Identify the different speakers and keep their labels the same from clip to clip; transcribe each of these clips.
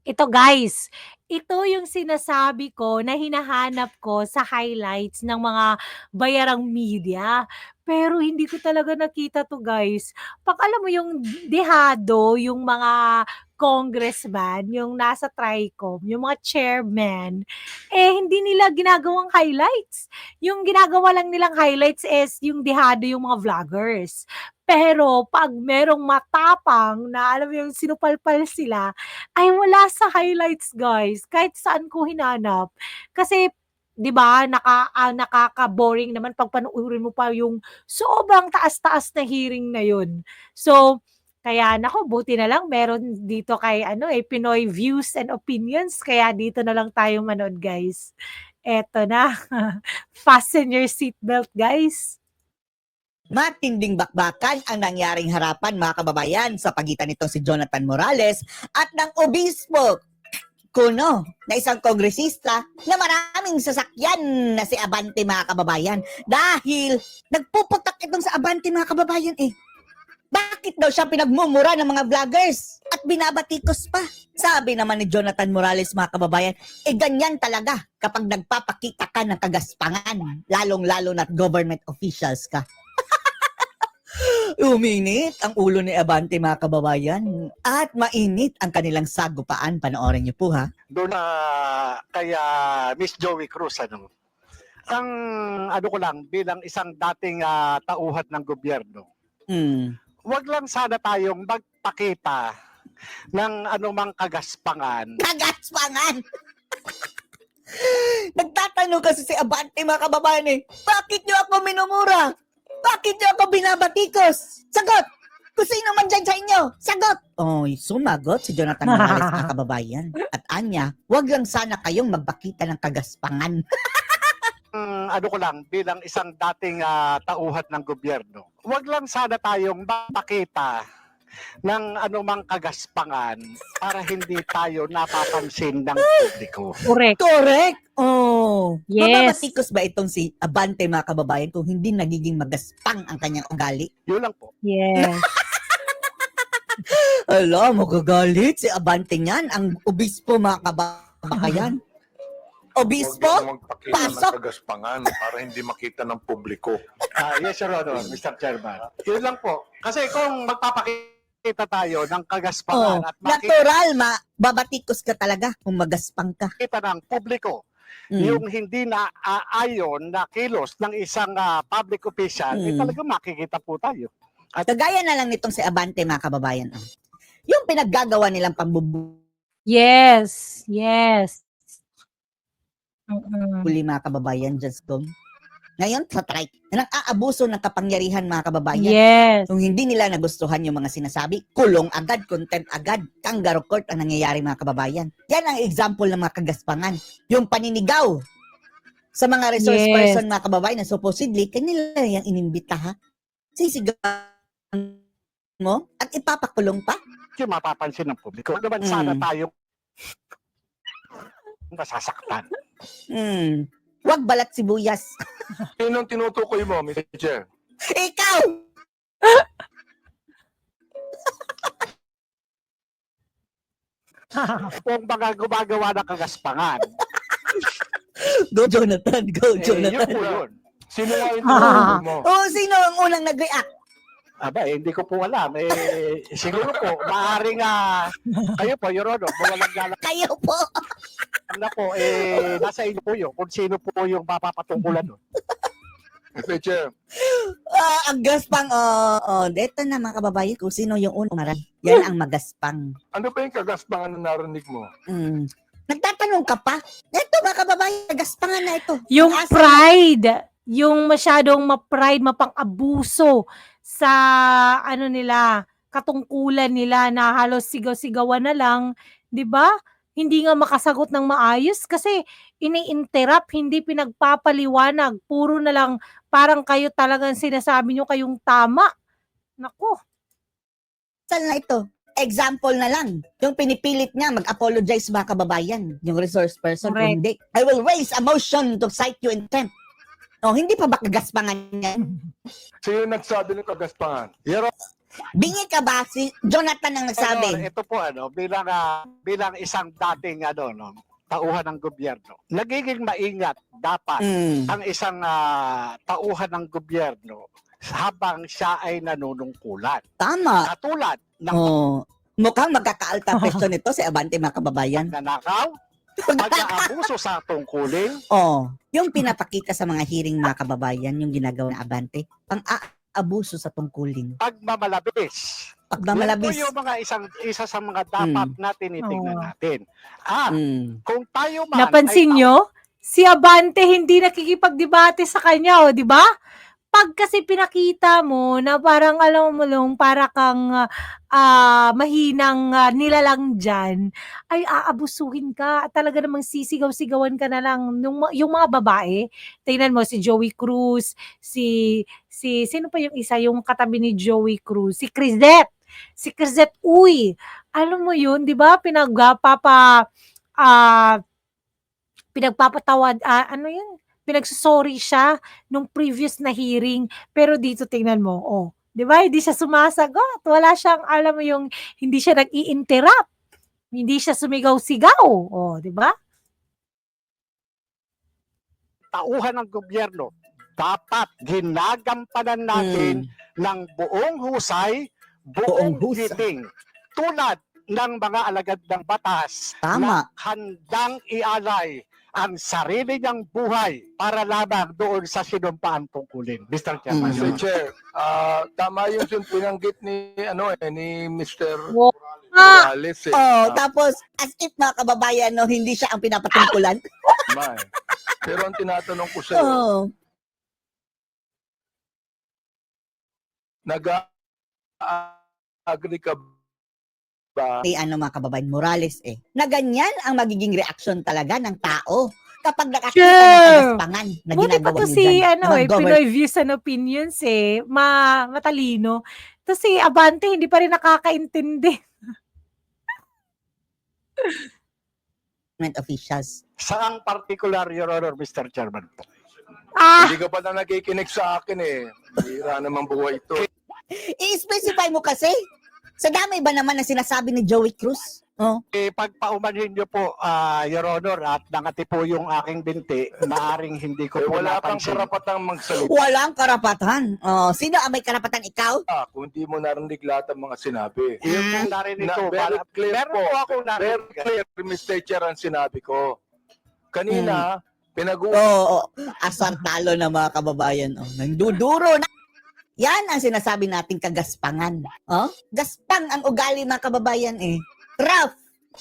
Speaker 1: Ito guys, ito yung sinasabi ko na hinahanap ko sa highlights ng mga bayarang media. Pero hindi ko talaga nakita 'to guys. 'Pag alam mo yung dehado, yung mga congressman, yung nasa TRICOM, yung mga chairman, hindi nila ginagawang highlights. Yung ginagawa lang nilang highlights is yung dehado yung mga vloggers. Pero 'pag merong matapang na alam mo yung sinupalpal sila, ay wala sa highlights guys, kahit saan ko hinanap. Kasi 'di ba nakaka-boring naman 'pag panoorin mo pa yung sobrang taas-taas na hearing na yun. So, kaya naku buti na lang meron dito kay ano, Pinoy Views and Opinions kaya dito na lang tayo manood guys. Eto na, fasten your seatbelt guys.
Speaker 2: Matinding bakbakan ang nangyaring harapan mga kababayan sa pagitan nitong si Jonathan Morales at ng obispo kuno na isang kongresista na maraming sasakyan na si Abante mga kababayan dahil nagpuputak itong sa Abante mga kababayan Bakit daw siya pinagmumura ng mga vloggers at binabatikos pa? Sabi naman ni Jonathan Morales mga kababayan, ganyan talaga kapag nagpapakita ka ng kagaspangan, lalong-lalo na't government officials ka. Uminit ang ulo ni Abante mga kababayan at mainit ang kanilang sagupaan. Panoorin niyo po ha.
Speaker 3: Doon na kaya Miss Joey Cruz ano. Ang ano ko lang bilang isang dating tauhan ng gobyerno. Huwag lang sana tayong magpakita ng anumang kagaspangan.
Speaker 2: Kagaspangan! Nagtatanong kasi si Abante mga kababayan bakit niyo ako minumura? Bakit niyo ako binabatikos? Sagot! Kung sino man dyan sa inyo, sagot! Oy, sumagot si Jonathan Morales mga kababayan. At anya, wag lang sana kayong magpakita ng kagaspangan.
Speaker 3: Ano ko lang bilang isang dating tauhan ng gobyerno. Huwag lang sana tayong magpakita ng anumang kagaspangan para hindi tayo napapansin ng publiko.
Speaker 1: Correct.
Speaker 2: Correct! Oh,
Speaker 1: Yes.
Speaker 2: mababatikos ba itong si Abante mga kababayan kung hindi nagiging magaspang ang kanyang ugali?
Speaker 3: Yun lang po.
Speaker 1: Yes.
Speaker 2: Ala, magagalit si Abante niyan, ang obispo mga kababayan. Obispo?
Speaker 4: Huwag magpakita
Speaker 2: Pasok!
Speaker 4: ng kagaspangan para hindi makita ng publiko.
Speaker 3: Yes, Your Honor, Mr. Chairman. Yun lang po. Kasi kung magpapakita tayo ng kagaspangan at makita
Speaker 2: Natural, babatikos ka talaga kung magaspang ka.
Speaker 3: ng publiko yung hindi na ayon na kilos ng isang public official, talagang makikita po tayo.
Speaker 2: At kagaya na lang nitong si Abante mga kababayan. Yung pinaggagawa nilang pambubuli
Speaker 1: Yes. Yes. Mm.
Speaker 2: mga kababayan, just go. Ngayon, sa trike, na nang-aabuso ng kapangyarihan mga kababayan.
Speaker 1: Yes.
Speaker 2: Kung hindi nila nagustuhan yung mga sinasabi, kulong agad, contempt agad, kangaroo court ang nangyayari mga kababayan. Yan ang example ng mga kagaspangan. Yung paninigaw sa mga resource
Speaker 1: Yes.
Speaker 2: person mga kababayan na supposedly, kanila yung inimbita ha. Sisigawan mo at ipapakulong pa.
Speaker 3: Yung mapapansin ng publiko. Huwag naman sana tayo masasaktan.
Speaker 2: Wag balat sibuyas.
Speaker 4: Sinong tinutukoy mo, Mr. Chair?
Speaker 2: Ikaw!
Speaker 3: Kung baga gumagawa ng kagaspangan,
Speaker 2: Go Jonathan, go
Speaker 3: yun
Speaker 2: Jonathan.
Speaker 3: po yun.
Speaker 4: Sino nga yung tinutukoy mo?
Speaker 2: Oh, sino ang unang nag-react?
Speaker 3: Aba, hindi ko po alam. Siguro po, maaaring kayo po, Your Honor, mawalang galang
Speaker 2: Kayo po.
Speaker 3: na po, nasa inyo po yun, kung sino po yung mapapatungkulan doon.
Speaker 4: Mr. Chair,
Speaker 2: Ang gaspang, dito na mga kababayan, kung sino yung unang umaral. Yan ang magaspang.
Speaker 4: ano ba yung kagaspangan na narinig mo?
Speaker 2: Nagtatanong ka pa? Ito mga kababayan, nagaspangan na ito.
Speaker 1: Yung
Speaker 2: Ang asa-
Speaker 1: pride, yung masyadong ma-pride, mapang-abuso sa ano nila, katungkulan nila na halos sigaw-sigawan na lang, 'di ba? Hindi nga makasagot ng maayos kasi ini-interrupt, hindi pinagpapaliwanag, puro na lang parang kayo talagang sinasabi niyo kayong tama. Naku.
Speaker 2: Saan na ito? Example na lang. Yung pinipilit niya mag-apologize mga kababayan. Yung resource person,
Speaker 1: Correct.
Speaker 2: hindi. I will raise a motion to cite you in contempt. Hindi pa ba kagaspangan niya?
Speaker 4: Sino nagsabi ng kagaspangan?
Speaker 2: Bingi ka ba? Si Jonathan ang
Speaker 3: Senador,
Speaker 2: nagsabi.
Speaker 3: ito po bilang isang dating tauhan ng gobyerno. Nagiging maingat dapat
Speaker 2: Mm.
Speaker 3: ang isang tauhan ng gobyerno habang siya ay nanunungkulan.
Speaker 2: Tama.
Speaker 3: Katulad ng
Speaker 2: Oh. Mukhang magkakaalta presyo nito si Abante, mga kababayan.
Speaker 3: pagnanakaw, pag-aabuso sa tungkulin,
Speaker 2: Oh, yung pinapakita sa mga hearing, mga kababayan, yung ginagawa ng Abante, pang-aabuso sa tungkulin.
Speaker 3: pagmamalabis.
Speaker 2: Pagmamalabis.
Speaker 3: Yan po yung isa sa mga dapat na tinitingnan natin. At kung tayo man
Speaker 1: Napansin nyo? Si Abante hindi nakikipagdebate sa kanya, o, di ba? Pag kasi pinakita mo na parang alam mo lang, para kang mahinang nilalang dyan, ay aabusuhin ka. Talaga namang sisigaw-sigawan ka na lang. Yung mga babae, tingnan mo si Joey Cruz, sino pa yung isa, yung katabi ni Joey Cruz, si Crisette. Si Crisette, uy, alam mo yun, di ba? Pinagpapatawad, ano yun? Pinagsusorry siya nung previous na hearing, pero dito tingnan mo, oh, 'di ba? Hindi siya sumasagot. Wala siyang, alam mo yung, hindi siya nag-i-interrupt. Hindi siya sumigaw-sigaw, oh, 'di ba?
Speaker 3: tauhan ng gobyerno, dapat ginagampanan natin ng buong husay, buong
Speaker 2: Buong husay.
Speaker 3: giting. Tulad ng mga alagad ng batas
Speaker 2: Tama.
Speaker 3: na handang ialay ang sarili niyang buhay para lamang doon sa sinumpaan tungkulin. Mr. Chairman.
Speaker 4: Mr. Chair, tama yung pinanggit ni Mr.
Speaker 1: Wow. Ah,
Speaker 4: Morales.
Speaker 2: Oh, tapos, as if, mga kababayan, no, hindi siya ang pinapatungkulan.
Speaker 4: Tama eh. Pero ang tinatanong ko sa'yo,
Speaker 2: Oh.
Speaker 4: nag-agree ka ba?
Speaker 2: Mga kababayan, Morales na ganyan ang magiging reaksyon talaga ng tao kapag nakakita
Speaker 1: Sure.
Speaker 2: ng kagaspangan na
Speaker 1: buti pa
Speaker 2: ginagawa
Speaker 1: to
Speaker 2: niyo
Speaker 1: si,
Speaker 2: dyan. Mga
Speaker 1: Pinoy Views and Opinions matalino. To si Abante, hindi pa rin nakakaintindi.
Speaker 2: government officials.
Speaker 3: Saang particular, Your Honor, Mr. Chairman po?
Speaker 4: Hindi ka pa na nakikinig sa akin eh. Hira naman buhay ito.
Speaker 2: I-specify mo kasi. Sa dami ba naman ang sinasabi ni Joey Cruz? Oh.
Speaker 3: Pagpaumanhin niyo po, Your Honor, at nangati po yung aking binti, maaring hindi ko
Speaker 4: Eh,
Speaker 3: po
Speaker 4: wala kang
Speaker 3: napansin.
Speaker 4: karapatang magsalita
Speaker 2: Walang karapatan. Oh, sino ang may karapatan, ikaw?
Speaker 4: kung hindi mo narinig lahat ng mga sinabi.
Speaker 3: Yung po narinig ko,
Speaker 4: Very clear
Speaker 3: meron
Speaker 4: po.
Speaker 3: po ako
Speaker 4: Very
Speaker 3: narinig.
Speaker 4: clear, Mr. Chair, ang sinabi ko. Kanina, pinag-uusapan
Speaker 2: Oo, asar talo na, mga kababayan. Oh, nanduduro na. Yan ang sinasabi nating kagaspangan. Oh? Gaspang ang ugali, mga kababayan eh. Rough.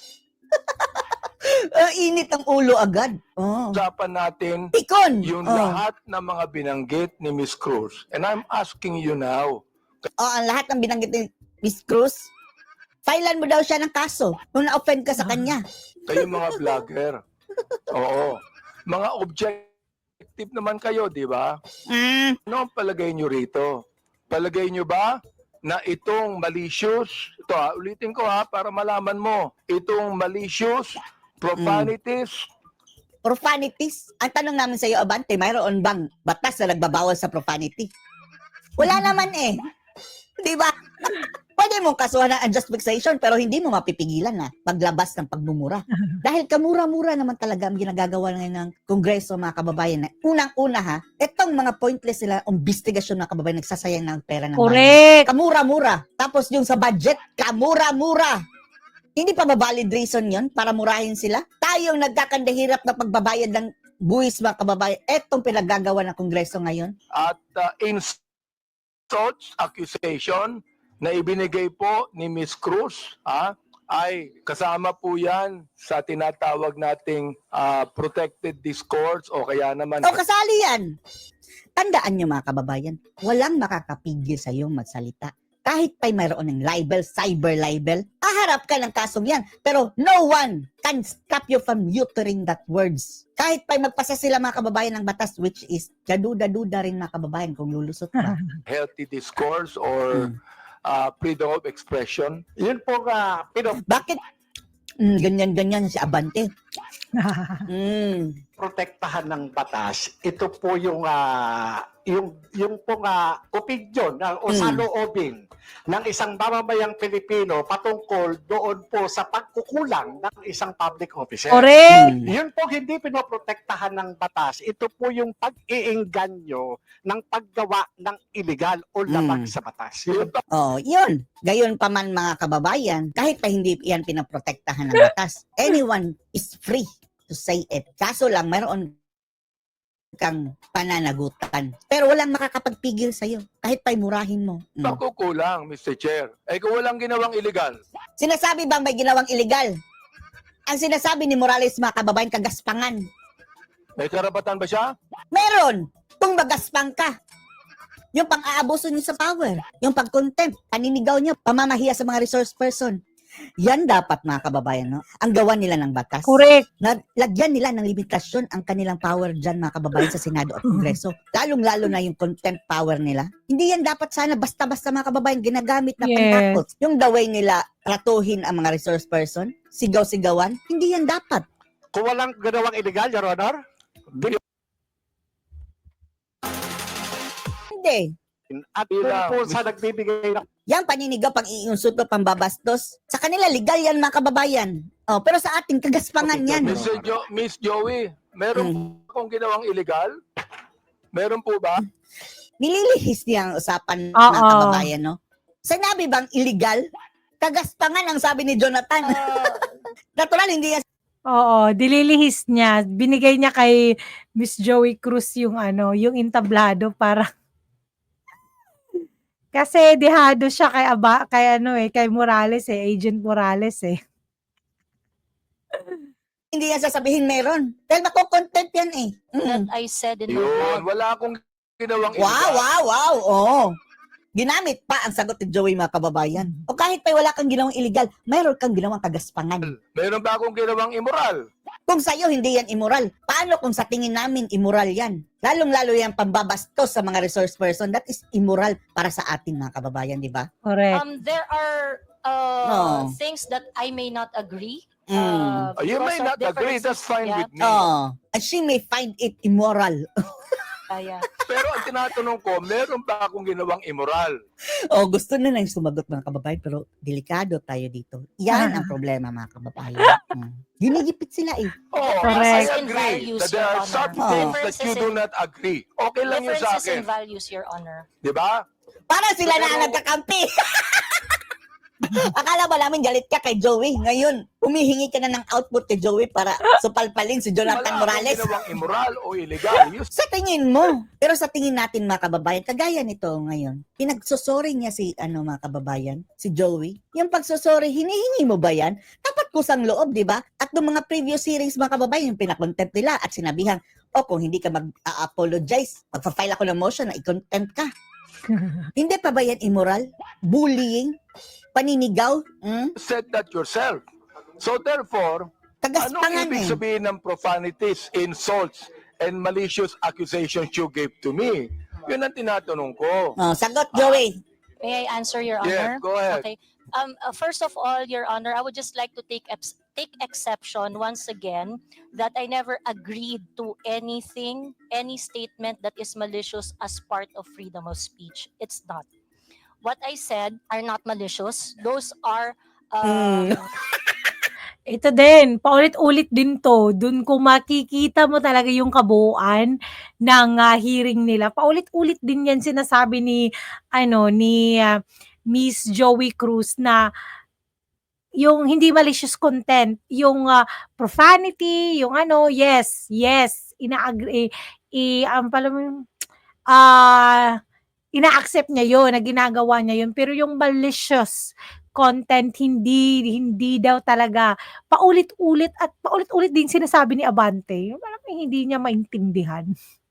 Speaker 2: Init ang ulo agad. Oh.
Speaker 4: natin
Speaker 2: Tikon.
Speaker 4: yung
Speaker 2: Oh.
Speaker 4: lahat ng mga binanggit ni Miss Cruz. And I'm asking you now,
Speaker 2: Oh, ang lahat ng binanggit ni Miss Cruz, filean mo daw siya ng kaso kung na-offend ka sa kanya.
Speaker 4: kayo mga vlogger. Oo. Mga objective naman kayo, di ba? Ano ang palagay nyo rito? Palagay nyo ba na itong malicious, ito ulitin ko para malaman mo, itong malicious, profanities,
Speaker 2: Profanities. Ang tanong namin sa iyo, Abante, mayroon bang batas na nagbabawal sa profanity? Wala naman eh. Di ba? Pwede mong kasuhan ng unjust vexation pero hindi mo mapipigilan na paglabas ng pagmumura. Dahil kamura-mura naman talaga ang ginagagawa ngayon ng Kongreso, mga kababayan. Unang-una itong mga pointless nila investigasyon, mga kababayan, nagsasayang ng pera ng bayan.
Speaker 1: Correct.
Speaker 2: Kamura-mura. Tapos yung sa budget, kamura-mura. Hindi pa ba valid reason yon para murahin sila? Tayong nagkakandahirap na pagbabayad ng buwis, mga kababayan. Etong pinagagawa ng Kongreso ngayon.
Speaker 4: at in such accusation na ibinigay po ni Miss Cruz, ay kasama po yan sa tinatawag nating protected discourse o kaya naman
Speaker 2: O kasali yan. Tandaan nyo, mga kababayan, walang makakapigil sa iyong magsalita. Kahit pa'y mayroon ng libel, cyber libel, aharap ka ng kasong yan. Pero no one can stop you from uttering that words. Kahit pa'y magpasa sila, mga kababayan, ng batas, which is kaduda-duda rin, mga kababayan, kung lulusot ka.
Speaker 4: healthy discourse or freedom of expression.
Speaker 3: Yun po
Speaker 2: Bakit? Ganyan-ganyan si Abante.
Speaker 3: protektahan ng batas, ito po yung pong opinion o saloobin ng isang mamamayang Pilipino patungkol doon po sa pagkukulang ng isang public officer.
Speaker 1: Correct.
Speaker 3: Yun po hindi pinoprotektahan ng batas. Ito po yung pag-iingganyo ng paggawa ng illegal o labag sa batas. Yun po.
Speaker 2: Oh, yun. Gayon pa man mga kababayan, kahit pa hindi yan pinaprotektahan ng batas, anyone is free to say it. Kaso lang, mayroon kang pananagutan. Pero walang makakapagpigil sa'yo, kahit pa murahin mo.
Speaker 4: Nakukulang, Mr. Chair. Eh kung walang ginawang illegal,
Speaker 2: Sinasabi bang may ginawang illegal? Ang sinasabi ni Morales, mga kababayan, kagaspangan.
Speaker 4: may karapatan ba siya?
Speaker 2: Meron! Kung magaspang ka. Yung pang-aabuso niyo sa power, yung pag-contempt, paninigaw niyo, pamamahiya sa mga resource person. Yan dapat mga kababayan, no? Ang gawa nila ng batas.
Speaker 1: Correct.
Speaker 2: Lagyan nila ng limitasyon ang kanilang power dyan mga kababayan sa Senado at Kongreso. Lalong-lalo na yung contempt power nila. Hindi yan dapat sana basta-basta mga kababayan ginagamit na
Speaker 1: Yes.
Speaker 2: pantakot. Yung the way nila tratuhin ang mga resource person, sigaw-sigawan, hindi yan dapat.
Speaker 3: Kung walang ginawang illegal, Your Honor,
Speaker 2: Hindi.
Speaker 3: at kung po sa nagbibigay ng
Speaker 2: Yang paninigaw, pang-iinsulto, pambabastos, sa kanila legal yan mga kababayan. Oh, pero sa ating kagaspangan yan.
Speaker 4: Miss Joey, meron po akong ginawang illegal? Meron po ba?
Speaker 2: Nililihis niya ang usapan mga
Speaker 1: Oo.
Speaker 2: kababayan, no? Sinabi bang illegal? Kagaspangan ang sabi ni Jonathan. Natural, hindi yan.
Speaker 1: Oo, dililihis niya. Binigay niya kay Miss Joey Cruz yung yung entablado para kasi dehado siya kay Morales Agent Morales
Speaker 2: Hindi yan sasabihin meron. Dahil makukontent yan eh.
Speaker 5: That I said in my
Speaker 4: Yun,
Speaker 5: blog.
Speaker 4: wala akong ginawang
Speaker 2: Wow,
Speaker 4: illegal.
Speaker 2: wow, wow. Oo. Ginamit pa ang sagot ni Joey mga kababayan. O kahit pa wala kang ginawang illegal, mayroon kang ginawang kagaspangan.
Speaker 4: Meron ba akong ginawang immoral?
Speaker 2: Kung sa'yo hindi yan immoral, paano kung sa tingin namin immoral yan? Lalong-lalo yan pambabastos sa mga resource person. That is immoral para sa atin mga kababayan, di ba?
Speaker 1: Correct.
Speaker 5: There are
Speaker 2: No.
Speaker 5: things that I may not agree.
Speaker 4: You may
Speaker 5: because of
Speaker 4: not agree,
Speaker 5: differences.
Speaker 4: that's fine
Speaker 5: Yeah.
Speaker 4: with me.
Speaker 2: And she may find it immoral.
Speaker 5: Yeah.
Speaker 4: Pero ang tinatanong ko, meron ba akong ginawang immoral?
Speaker 2: Gusto na lang sumagot mga kababayan, pero delikado tayo dito. Yan ang problema mga kababayan. Ginigipit sila eh.
Speaker 4: Oh,
Speaker 1: Correct.
Speaker 4: I agree that there are some
Speaker 5: Your Honor.
Speaker 4: things that you do not agree. Okay lang yun sa
Speaker 5: Differences in
Speaker 4: akin.
Speaker 5: values, Your Honor.
Speaker 4: Di ba?
Speaker 2: Para sila na ang
Speaker 4: Pero-
Speaker 2: nagkakampi. Akala ba namin galit ka kay Joey? Ngayon, humihingi ka na ng output kay Joey para supalpalin si Jonathan
Speaker 4: Wala
Speaker 2: Morales.
Speaker 4: akong ginawang immoral o illegal. You
Speaker 2: Sa tingin mo. Pero sa tingin natin mga kababayan, kagaya nito ngayon, pinagsusori niya si mga kababayan, si Joey. Yung pagsusori, hinihingi mo ba yan? Dapat kusang loob, di ba? At noong mga previous hearings mga kababayan, yung pinakontempt nila at sinabihan, kung hindi ka mag-apologize, magpa-file ako ng motion na i-contempt ka. Hindi pa ba yan immoral? Bullying? Paninigaw?
Speaker 4: said that yourself. So therefore, anong
Speaker 2: Kagaspangan
Speaker 4: ibig
Speaker 2: eh.
Speaker 4: sabihin ng profanities, insults, and malicious accusations you gave to me? Yun ang tinatanong ko.
Speaker 2: Sagot, Joey.
Speaker 5: May I answer, Your
Speaker 4: Yeah,
Speaker 5: Honor?
Speaker 4: go ahead.
Speaker 5: Okay. First of all, Your Honor, I would just like to take exception once again that I never agreed to anything, any statement that is malicious as part of freedom of speech. It's not. What I said are not malicious. Those are
Speaker 1: Ito din, paulit-ulit din to. Dun kung makikita mo talaga yung kabuuan ng hearing nila. Paulit-ulit din yan sinasabi ni Miss Joey Cruz na yung hindi malicious content, yung profanity, yung yes, ina-agree, ina-accept niya yun, na ginagawa niya yun. Pero yung malicious content, hindi daw talaga. Paulit-ulit din sinasabi ni Abante. Yung parang hindi niya maintindihan.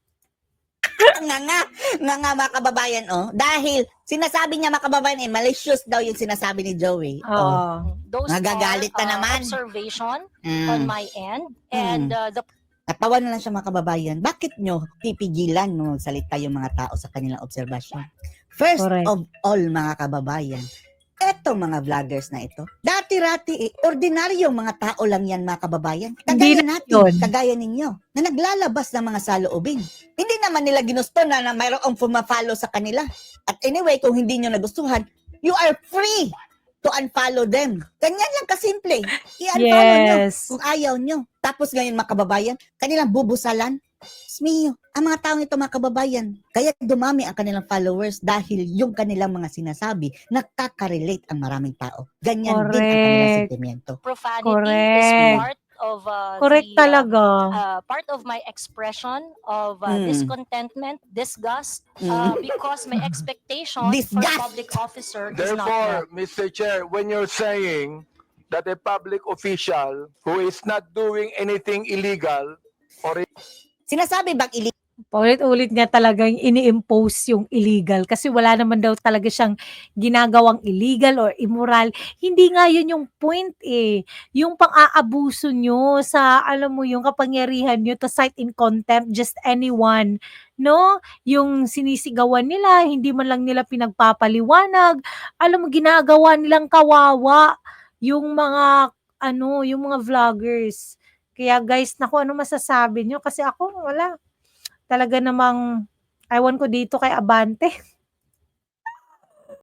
Speaker 2: nga mga kababayan, Dahil sinasabi niya mga kababayan, malicious daw yung sinasabi ni Joey.
Speaker 5: those
Speaker 2: Nagagalit
Speaker 5: are
Speaker 2: na naman.
Speaker 5: observation on my end. And the
Speaker 2: Natawa na lang siya mga kababayan. Bakit nyo pipigilan no salita yung mga tao sa kanilang obserbasyon? First
Speaker 1: Correct.
Speaker 2: of all mga kababayan, Etong mga vloggers na ito, dati-rati ordinaryong mga tao lang yan mga kababayan.
Speaker 1: Hindi
Speaker 2: Kagaya
Speaker 1: na
Speaker 2: natin,
Speaker 1: yun.
Speaker 2: kagaya ninyo, na naglalabas ng mga saloobin. Hindi naman nila ginusto na mayroong pumafollow sa kanila. At anyway, kung hindi nyo nagustuhan, you are free to unfollow them. Ganyan lang kasimple. I-unfollow nyo
Speaker 1: Yes.
Speaker 2: kung ayaw nyo. Tapos ngayon mga kababayan, kanilang bubusalan. Smio, ang mga taong ito mga kababayan, kaya dumami ang kanilang followers dahil yung kanilang mga sinasabi nakaka-relate ang maraming tao. Ganyan din ang kanilang
Speaker 1: Correct.
Speaker 2: sentimento.
Speaker 5: Profanity is
Speaker 1: Correct.
Speaker 5: part of
Speaker 1: Correct talaga.
Speaker 5: part of my expression of
Speaker 2: Mm.
Speaker 5: discontentment, disgust, because my expectation for
Speaker 2: Disgust.
Speaker 5: public officer is not met.
Speaker 4: Therefore, Mr. Chair, when you're saying that a public official who is not doing anything illegal or
Speaker 2: Sinasabi bang
Speaker 1: Paulit-ulit niya talagang ini-impose yung illegal kasi wala naman daw talaga siyang ginagawang illegal or immoral. Hindi nga yun yung point eh. Yung pang-aabuso nyo sa, alam mo yung kapangyarihan nyo to cite in contempt just anyone. No? Yung sinisigawan nila, hindi man lang nila pinagpapaliwanag. Alam mo, ginagawa nilang kawawa yung mga, yung mga vloggers. Kaya guys, naku, ano masasabi nyo? Kasi ako, wala. Talaga namang ewan ko dito kay Abante.